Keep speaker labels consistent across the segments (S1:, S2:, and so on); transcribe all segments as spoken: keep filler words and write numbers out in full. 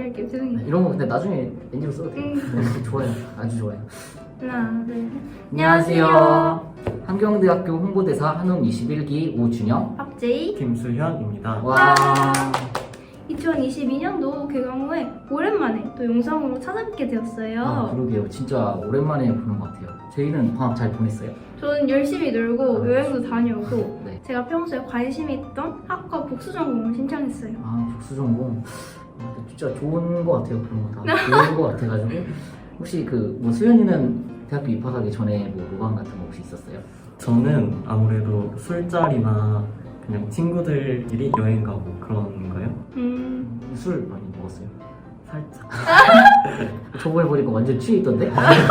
S1: 할게요. 죄송해요.
S2: 이런 거 근데 나중에 엔지로 써도 돼요.
S1: 음.
S2: 좋아요. 아주 좋아요.
S1: 하나, 둘, 셋.
S2: 안녕하세요. 한경대학교 홍보대사 한음 이십일 기 오준영.
S1: 박제이.
S3: 김수현입니다.
S2: 와.
S1: 이천이십이 년도 개강 후에 오랜만에 또 영상으로 찾아뵙게 되었어요.
S2: 아, 그러게요. 진짜 오랜만에 보는 것 같아요. 저희는 방학 잘 보냈어요?
S1: 저는 열심히 놀고
S2: 아,
S1: 여행도 다녀오고
S2: 네.
S1: 제가 평소에 관심이 있던 학과 복수 전공을 신청했어요.
S2: 아, 복수전공. 아, 진짜 좋은 것 같아요. 그런 거 다. 좋은 것 같아가지고. 혹시 그, 뭐, 수현이는 대학교 입학하기 전에 뭐, 로망 같은 거 혹시 있었어요?
S3: 저는 아무래도 술자리나 그냥 친구들끼리 여행 가고 그런 거요.
S1: 음,
S2: 술 많이 먹었어요? 살짝. 저번에 보니까 완전 취해 있던데?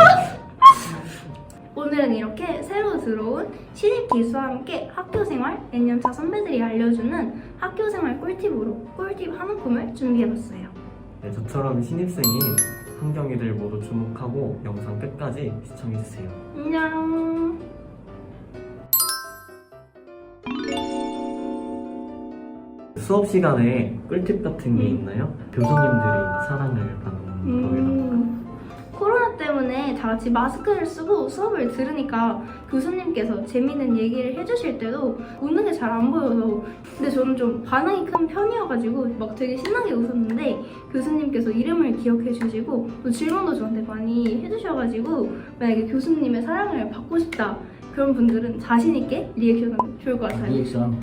S1: 오늘은 이렇게 새로 들어온 신입 기수와 함께 학교생활, 내년차 선배들이 알려주는 학교생활 꿀팁으로 꿀팁 한 움큼을 준비해봤어요.
S3: 네, 저처럼 신입생인 환경이들 모두 주목하고 영상 끝까지 시청해주세요.
S1: 안녕.
S3: 수업 시간에 꿀팁 같은 게
S1: 음.
S3: 있나요? 교수님들이 사랑을 받는 거에다가
S1: 음, 코로나 때문에 다 같이 마스크를 쓰고 수업을 들으니까 교수님께서 재밌는 얘기를 해주실 때도 웃는 게 잘 안 보여서 근데 저는 좀 반응이 큰 편이어가지고 막 되게 신나게 웃었는데 교수님께서 이름을 기억해 주시고 또 질문도 저한테 많이 해주셔가지고 만약에 교수님의 사랑을 받고 싶다 그런 분들은 자신 있게 리액션하면 좋을 것 같아요.
S2: 리액션.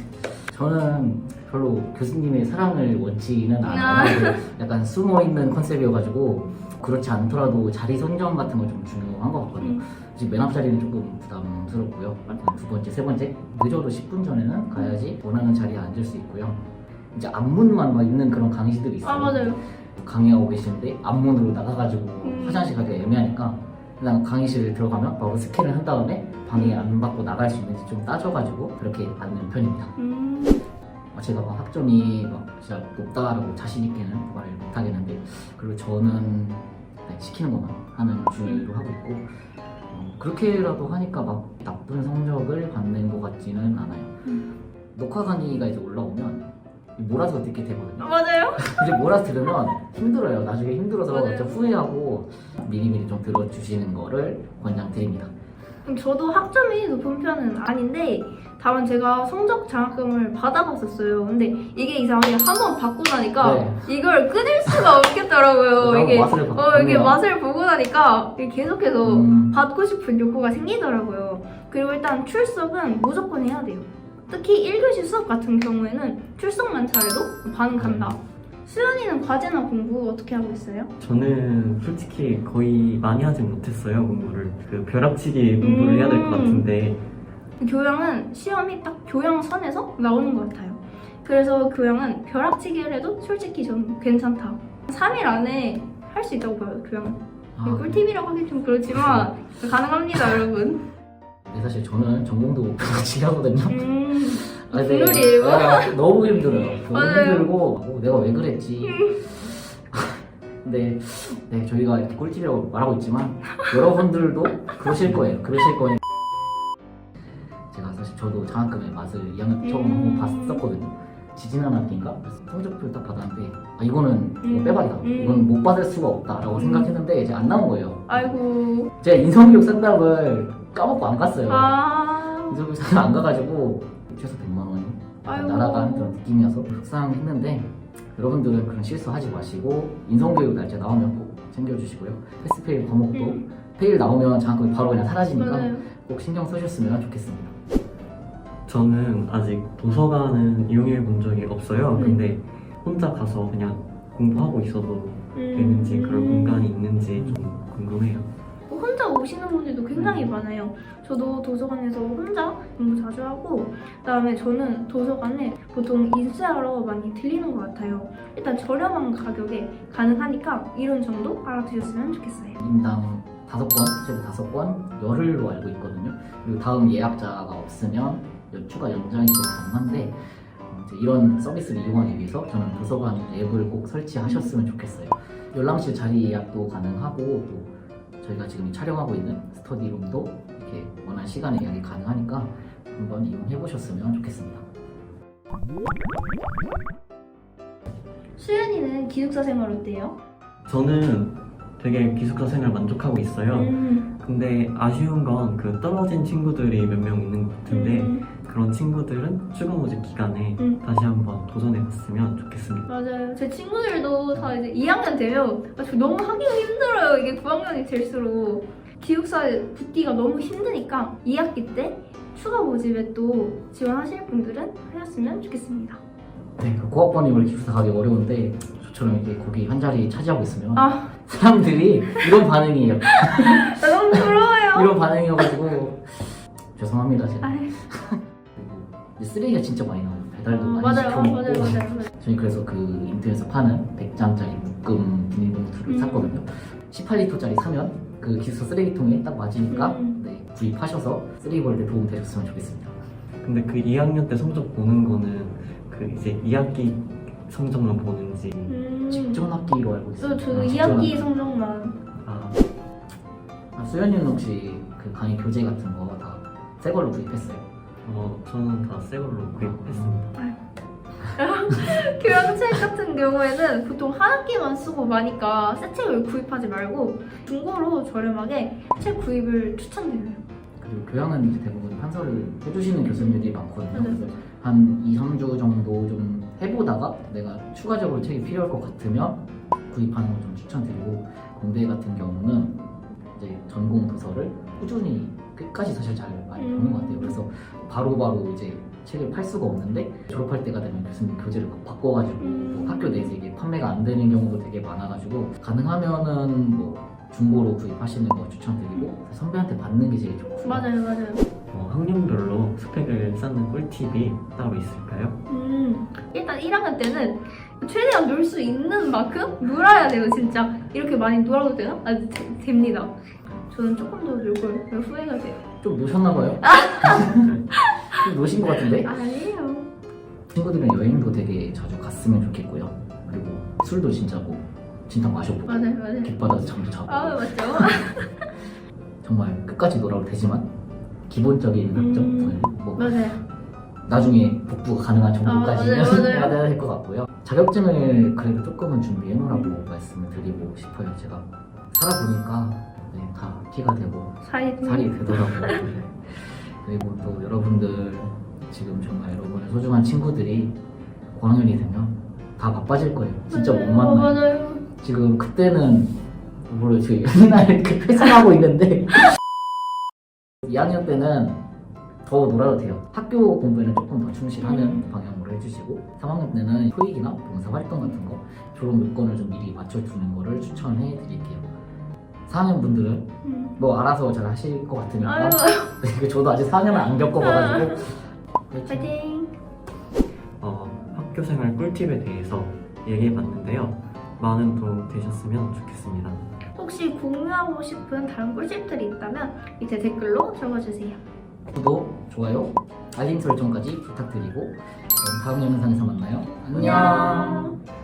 S2: 저는 별로 교수님의 사랑을 원치는 않아요. 약간 숨어있는 컨셉이어가지고 그렇지 않더라도 자리 선정 같은 건 좀 중요한 것 같거든요.
S1: 음.
S2: 이제 맨 앞 자리는 조금 부담스럽고요. 두 번째, 세 번째 늦어도 십 분 전에는 가야지 원하는 자리에 앉을 수 있고요. 이제 앞문만 막 있는 그런 강의실들이 있어요.
S1: 아 맞아요.
S2: 강의하고 계시는데 앞문으로 나가가지고
S1: 음.
S2: 화장실 가기가 애매하니까 그냥 강의실 들어가면 바로 스캔을 한 다음에 방해 안 받고 나갈 수 있는지 좀 따져가지고 그렇게 앉는 편입니다.
S1: 음.
S2: 어, 제가 막 학점이 막 진짜 높다라고 자신 있게는 말을 못 하겠는데 그리고 저는 네, 시키는 것만 하는 주의로 하고 있고 어, 그렇게라도 하니까 막 나쁜 성적을 받는 것 같지는 않아요.
S1: 음.
S2: 녹화 강의가 이제 올라오면 몰아서 듣게 되거든요.
S1: 아, 맞아요.
S2: 이제 몰아서 들으면 힘들어요. 나중에 힘들어서
S1: 맞아요.
S2: 좀 후회하고 미리미리 좀 들어주시는 거를 권장드립니다.
S1: 음, 저도 학점이 높은 편은 아닌데 다만 제가 성적 장학금을 받아봤었어요. 근데 이게 이상하게 한 번 받고 나니까
S2: 네.
S1: 이걸 끊을 수가 없겠더라고요.
S2: 나도
S1: 이게
S2: 맛을 봐-
S1: 어 이게
S2: 봤네요.
S1: 맛을 보고 나니까 이게 계속해서
S2: 음.
S1: 받고 싶은 욕구가 생기더라고요. 그리고 일단 출석은 무조건 해야 돼요. 특히 일 교시 수업 같은 경우에는 출석만 잘해도 반은 간다. 수연이는 과제나 공부 어떻게 하고 있어요?
S3: 저는 솔직히 거의 많이 하지 못했어요, 공부를. 그 벼락치기 공부를 해야 될 것
S1: 음.
S3: 같은데
S1: 교양은 시험이 딱 교양선에서 나오는 것 같아요. 그래서 교양은 벼락치기를 해도 솔직히 저는 괜찮다. 삼 일 안에 할 수 있다고 봐요, 교양은.
S2: 아,
S1: 이거 꿀팁이라고 하긴 좀 그렇지만 가능합니다, 여러분.
S2: 네, 사실 저는 전공도 같이 하거든요.
S1: 음,
S2: 아, 근데-
S1: 국룰이에요.
S2: 아, 너무 힘들어요. 너무
S1: 맞아요.
S2: 힘들고 어, 내가 왜 그랬지. 근데 네, 저희가 이렇게 꿀팁이라고 말하고 있지만 여러분들도 그러실 거예요. 그러실 거예요. 제가 사실 저도 장학금의 맛을 이 학년 때 처음
S1: 음.
S2: 한번 봤었거든요. 지지난 학기인가? 그래서 성적표를 딱 받았는데 아 이거는 이거
S1: 음.
S2: 빼박이다.
S1: 음.
S2: 이건 못 받을 수가 없다라고
S1: 음.
S2: 생각했는데 이제 안 나온 거예요.
S1: 아이고.
S2: 제가 인성교육 상담을 까먹고 안 갔어요.
S1: 아.
S2: 인성교육 상담 안 가가지고 최소 백만 원이
S1: 아이고.
S2: 날아간 그런 느낌이어서 속상했는데 여러분들은 그런 실수하지 마시고 인성교육 날짜 나오면 꼭 챙겨주시고요. 패스페일 과목도
S1: 음.
S2: 페일 나오면 장학금이 바로 그냥 사라지니까
S1: 맞아요.
S2: 꼭 신경 쓰셨으면 좋겠습니다.
S3: 저는 아직 도서관은 이용해 본 적이 없어요.
S1: 네.
S3: 근데 혼자 가서 그냥 공부하고 있어도 되는지
S1: 음.
S3: 그런 공간이 있는지 좀 궁금해요.
S1: 뭐 혼자 오시는 분들도 굉장히
S3: 음.
S1: 많아요. 저도 도서관에서 혼자 공부 자주 하고 그다음에 저는 도서관에 보통 인쇄하러 많이 들리는 것 같아요. 일단 저렴한 가격에 가능하니까 이런 정도 알아두셨으면 좋겠어요.
S2: 인당 다섯 권, 최고 다섯 권, 열흘로 알고 있거든요. 그리고 다음 예약자가 없으면 추가 연장이 또 가능한데 어, 이제 이런 서비스를 이용하기 위해서 저는 도서관 앱을 꼭 설치하셨으면 좋겠어요. 열람실 자리 예약도 가능하고 또 저희가 지금 촬영하고 있는 스터디룸도 이렇게 원하는 시간에 예약이 가능하니까 한번 이용해 보셨으면 좋겠습니다.
S1: 수연이는 기숙사 생활 어때요?
S3: 저는 되게 기숙사 생활 만족하고 있어요.
S1: 음,
S3: 근데 아쉬운 건 그 떨어진 친구들이 몇 명 있는 것 같은데
S1: 음,
S3: 그런 친구들은 추가 모집 기간에
S1: 음.
S3: 다시 한번 도전해봤으면 좋겠습니다.
S1: 맞아요. 제 친구들도 다 이제 이 학년 되면 아, 저 너무 하기가 힘들어요. 이게 구 학년이 될수록 기숙사 붙기가 너무 힘드니까 이 학기 때 추가 모집에 또 지원하실 분들은 하셨으면 좋겠습니다.
S2: 네, 그 고학번이 원래 기숙사 가기 어려운데 저처럼 이렇게 거기 한 자리 차지하고 있으면
S1: 아,
S2: 사람들이 이런 반응이에요.
S1: 나 너무 부러워요.
S2: 이런 반응이어가지고 죄송합니다 제가.
S1: 아유,
S2: 그리고 이제 쓰레기가 진짜 많이 나와요. 배달도
S1: 어,
S2: 많이
S1: 맞아요,
S2: 시켜 먹고.
S1: 맞아요, 맞아요, 맞아요.
S2: 저희 그래서 그 인터넷에서 파는 백 장짜리 묶음 비닐봉투를
S1: 음.
S2: 샀거든요. 십팔 리터짜리 사면 그 기숙사 쓰레기통에 딱 맞으니까
S1: 음.
S2: 네, 구입하셔서 쓰레기 버릴 때 도움 되셨으면 좋겠습니다.
S3: 근데 그 이 학년 때 성적 보는 거는 그 이제 이 학기 성적만 보는지
S1: 음,
S2: 직전 학기로 알고 있어요.
S1: 저, 저도
S2: 아,
S1: 이
S2: 직전
S1: 학기
S2: 학기.
S1: 성적만.
S3: 아,
S2: 아, 수연이는 혹시 그 강의 교재 같은 거 다 새 걸로 구입했어요?
S3: 어, 저는 다 새 걸로 구입했습니다.
S1: 교양책 같은 경우에는 보통 한 학기만 쓰고 마니까 새 책을 구입하지 말고 중고로 저렴하게 책 구입을 추천드려요.
S2: 그리고 교양은 이제 대부분 판서를 해주시는 교수님들이 많거든요.
S1: 맞아요.
S2: 그래서 한 이, 삼 주 정도 좀 해보다가 내가 추가적으로 책이 필요할 것 같으면 구입하는 걸 좀 추천드리고, 공대 같은 경우는 이제 전공 도서를 꾸준히 끝까지 사실 잘 많이 보는 것 같아요. 그래서 바로바로 이제 책을 팔 수가 없는데 졸업할 때가 되면 교수님 교재를 막 바꿔가지고
S1: 음.
S2: 뭐 학교 내에서 이게 판매가 안 되는 경우도 되게 많아가지고 가능하면은 뭐 중고로 구입하시는 거 추천드리고 선배한테 받는 게 제일 좋고.
S1: 맞아요, 맞아요.
S3: 어, 학년별로 스펙을 쌓는 꿀팁이 따로 있을까요?
S1: 음, 일단 일 학년 때는 최대한 놀 수 있는 만큼 놀아야 돼요, 진짜. 이렇게 많이 놀아도 되나? 아, 되, 됩니다. 저는 조금 더 놀 걸 후회가 돼요.
S2: 좀 노셨나봐요? 좀 노신 것 같은데?
S1: 아니에요.
S2: 친구들이랑 여행도 되게 자주 갔으면 좋겠고요. 그리고 술도 진짜 뭐 진탕 마셔보고
S1: 맞아요, 맞아요.
S2: 깃바다에서 잠도 자고
S1: 아, 맞죠?
S2: 정말 끝까지 놀아도 되지만 기본적인 학점
S1: 음.
S2: 뭐
S1: 맞아요.
S2: 나중에 복부가 가능한 정도까지는
S1: 아, 맞아요, 맞아요.
S2: 해야 될 것 같고요. 자격증을 그래도 조금은 준비해 놓으라고 말씀을 드리고 싶어요. 제가 살아보니까 네, 다 티가 되고
S1: 살이
S2: 살이 되더라고요. 네. 그리고 또 여러분들 지금 정말 여러분의 소중한 친구들이 고학년이 되면 다 바빠질 거예요. 진짜 못
S1: 맞아요.
S2: 만나요.
S1: 어, 맞아요.
S2: 지금 그때는 뭐를 지금 옛날 이렇게 회상하고 있는데 이 학년 때는 더 놀아도 돼요. 학교 공부에는 조금 더 충실하는
S1: 음.
S2: 방향으로 해주시고 삼 학년 때는 토익이나 봉사활동 같은 거 졸업 요건을 좀 미리 맞춰주는 거를 추천해 드릴게요. 사 학년 분들은
S1: 음.
S2: 뭐 알아서 잘 하실 것 같으니까
S1: 아유,
S2: 그 저도 아직 사 학년을 안 겪어봐가지고
S1: 파이팅!
S3: 어, 학교 생활 꿀팁에 대해서 얘기해봤는데요. 많은 도움 되셨으면 좋겠습니다.
S1: 혹시 공유하고 싶은 다른 꿀팁들이 있다면 밑에 댓글로 적어주세요.
S2: 구독, 좋아요, 알림 설정까지 부탁드리고 그럼 다음 영상에서 만나요. 안녕.
S1: 안녕.